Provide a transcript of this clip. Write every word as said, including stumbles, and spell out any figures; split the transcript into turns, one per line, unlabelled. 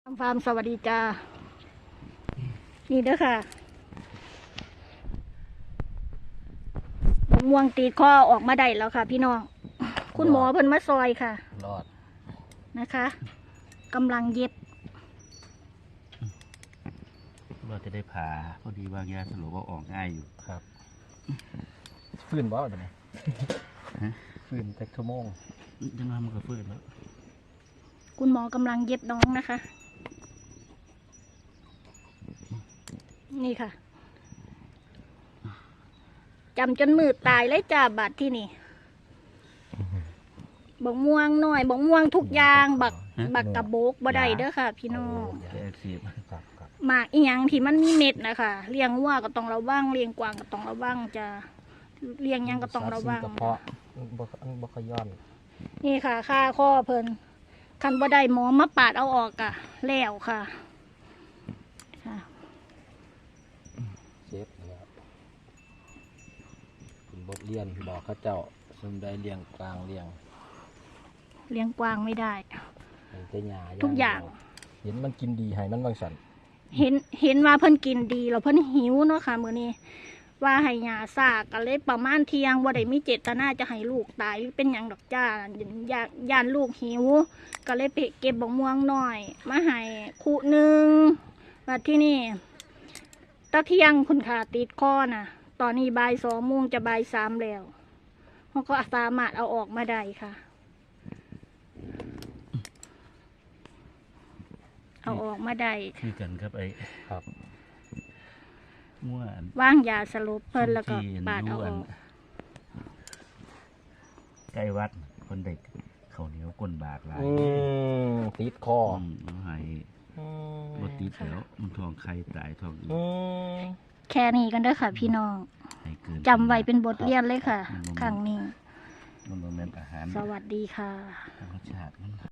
ฟาร์มสวัสดีจ้านี่เด้อค่ะบกม่วงตีข้อออกมาได้แล้วค่ะ พี่น้องคุณหมอเพิ่นมาซอยค่ะ
รอด
นะคะกำลังเย็บ
ว่าจะได้ผ่าพอดีวางยาสลบว่าออกง่ายอยู่
ครับฟื้นบ่เดี๋ยวนี้ฟื้นแต่ชั่วโมง
ยังไงมันก็ฟื้นแล้ว
คุณหมอกำลังเย็บน้องนะคะนี่ค่ะจำจนมือตายเลยจ้าบาดที่นี่บกม่วงหน่อยบกม่วงทุกอย่างบักบักกระโบกบ่ได้เด้อค่ะ พี่น้องหมากอีหยังที่มันมีเม็ดนะคะเลี้ยงวัวก็ต้องระวังเลี้ยงกวางก็ต้องระวังจะเลี้ยงยังก็ต้องระวัง
กระเพาะบ่บ่ขย้อน
นี่ค่ะค่าข้อเพิ่นคันบ่ได้หมอมาปาดเอาออกอะแล้วค่ะค่ะ
เซฟนะครับเป็นบทเรียนบอกข้าเจ้าสมได้เลี้ยงกลางเลี้ยง
เลี้ยงกวางไม่ได้
แต่หญ้า
ทุกอย่าง
เห็นมันกินดีให้มันบางสัน
เห็นเห็นว่าเพิ่นกินดีแล้วเพิ่นหิวเนาะค่ะมื้อนี้ว่าให้หญ้าซากก็เลยประมาณเที่ยงบ่ได้มีเจตนาจะให้ลูกตายหรือเป็นหยังดอกจ้าอยากย่านลูกหิวก็เลยไปเก็บบักม่วงหน่อยมาให้คู่หนึ่งมาที่นี่ตะเที่ยงคุณค่ะติดคอน่ะตอนนี้บ่ายสองโมงจะบ่ายสามแล้วเขาก็สามารถเอาออกมาได้ค่ะเอาออกมาได้
คือกันครับไอ้
ครับ
ม่วน
ว่างยาสลบเพิ่นแล้วก็ปาดเอาออก
ใกล้วัดคนเด็กเขาเหนียวก้นบากหลาย
ติดคอ
น้องไห้รถติดแล้วมันทองใครตายทองอีก
แค่นี้กันเด้อค่ะพี่น้องจำไว้เป็นบทเรียนเลยค่ะครั้งนี้สวัสดีค่ะ
รสชาติ